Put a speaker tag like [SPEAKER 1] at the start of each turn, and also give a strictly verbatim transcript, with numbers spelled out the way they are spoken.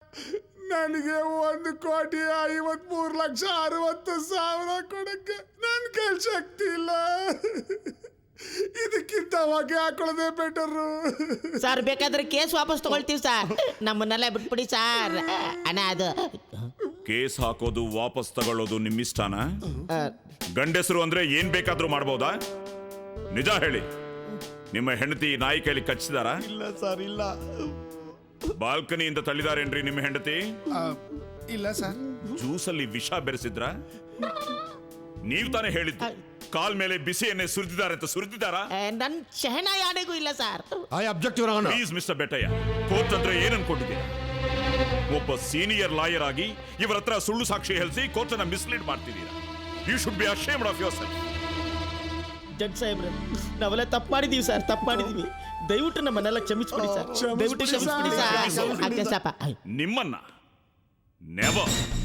[SPEAKER 1] ನನಗೆ ಒಂದು ಕೋಟಿ ಐವತ್ಮೂರು ಲಕ್ಷ ಅರವತ್ತು ಸಾವಿರ ಕೊಡಕ್ಕೆ ನನ್ನ ಕೈ ಶಕ್ತಿ ಇಲ್ಲ. ಇದಕ್ಕಿಂತ ಹೊಗೆ ಹಾಕೊಳ್ಳೋದೇ ಬೆಟರು.
[SPEAKER 2] ಸರ್ ಬೇಕಾದ್ರೆ ಕೇಸ್ ವಾಪಸ್ ತಗೊಳ್ತೀವಿ ಸರ್, ನಮ್ಮನ್ನೆಲ್ಲ ಬಿಟ್ಬಿಡಿ ಸರ್. ಅಣ್ಣ ಅದು
[SPEAKER 3] ಕೇಸ್ ಹಾಕೋದು ವಾಪಸ್ ತಗೊಳ್ಳೋದು ನಿಮ್ಮಿಷ್ಟನ? ಗಂಡಸರು ಅಂದ್ರೆ ಏನ್ ಬೇಕಾದ್ರೂ ಮಾಡ್ಬೋದಾ? ನಿಜ ಹೇಳಿ, ನಿಮ್ಮ ಹೆಂಡತಿ ನಾಯಿ ಕೈಲಿ ಕಚ್ಚಿದಾರ?
[SPEAKER 1] ಇಲ್ಲ ಸರ್, ಇಲ್ಲ.
[SPEAKER 3] ಬಾಲ್ಕನಿಯಿಂದ ತಳ್ಳಿದಾರೇನ್ರಿ ನಿಮ್ಮ ಹೆಂಡತಿ?
[SPEAKER 1] ಇಲ್ಲ ಸರ್.
[SPEAKER 3] ಜ್ಯೂಸಲ್ಲಿ ವಿಷ ಬೆರೆಸಿದ್ರ? ನೀವು ತಾನೇ ಹೇಳಿದ್ದು ಕಾಲ್ ಮೇಲೆ ಬಿಸಿ ಎಣ್ಣೆ ಸುರಿದಿದ್ದಾರೆ ಅಂತ. ಸುರಿದಿದ್ದಾರಾ?
[SPEAKER 2] ನನ್ ಶಹನ ಯಾರಿಗೂ ಇಲ್ಲ sir.
[SPEAKER 4] I object your honour.
[SPEAKER 3] Please mister Bettaiah, court ಅಂದ್ರೆ ಏನ್ ಅನ್ಕೊಂಡಿದ್ದೀರಾ? ಒಬ್ಬ ಸೀನಿಯರ್ ಲಾಯರ್ ಆಗಿ ಇವರ ಹತ್ರ ಸುಳ್ಳು ಸಾಕ್ಷಿ ಹೇಳಿಸಿ ಕೋರ್ಟ್ ಅನ್ನ ಮಿಸ್ಲೀಡ್ ಮಾಡ್ತಿದ್ದೀರಾ. You should be ashamed of yourself.
[SPEAKER 2] Judge ಸಾಹೇಬ್ರೆ, ನಾವೆಲ್ಲ ತಪ್ಪು ಮಾಡಿದೀವಿ ಸರ್, ತಪ್ಪು ಮಾಡಿದೀವಿ. ದಯವಿಟ್ಟು ನಮ್ಮನ್ನೆಲ್ಲ ಕ್ಷಮಿಸ್ಬಿಡಿ ಸರ್, ದಯವಿಟ್ಟು ಕ್ಷಮಿಸ್ಬಿಡಿ ಸರ್.
[SPEAKER 3] ನಿಮ್ಮನ್ನ ನೆವರ್